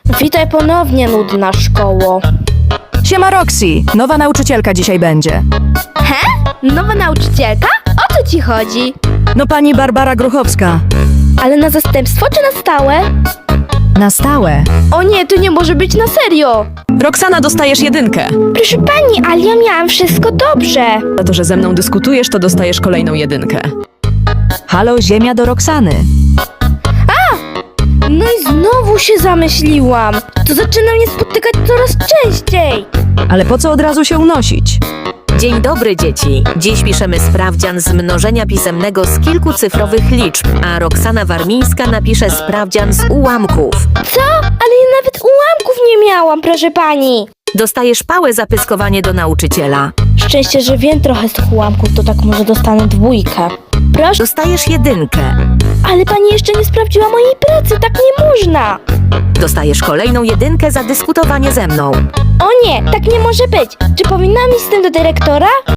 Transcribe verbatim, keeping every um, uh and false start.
Witaj ponownie, nudna szkoło. Siema Roxy, nowa nauczycielka dzisiaj będzie. He? Nowa nauczycielka? O co ci chodzi? No pani Barbara Gruchowska. Ale na zastępstwo czy na stałe? Na stałe. O nie, to nie może być na serio. Roxana, dostajesz jedynkę. Proszę pani, ale ja miałam wszystko dobrze. Za to, że ze mną dyskutujesz, to dostajesz kolejną jedynkę. Halo, ziemia do Roxany. No i znowu się zamyśliłam. To zaczyna mnie spotykać coraz częściej. Ale po co od razu się unosić? Dzień dobry, dzieci. Dziś piszemy sprawdzian z mnożenia pisemnego z kilkucyfrowych liczb, a Roxana Warmińska napisze sprawdzian z ułamków. Co? Ale ja nawet ułamków nie miałam, proszę pani. Dostajesz pałę za pyskowanie do nauczyciela. Szczęście, że wiem trochę z tych ułamków, to tak może dostanę dwójkę. Proszę, Dostajesz jedynkę. ale pani jeszcze nie sprawdziła mojej pracy, tak nie można. Dostajesz kolejną jedynkę za dyskutowanie ze mną. O nie, tak nie może być. Czy powinnam iść z tym do dyrektora?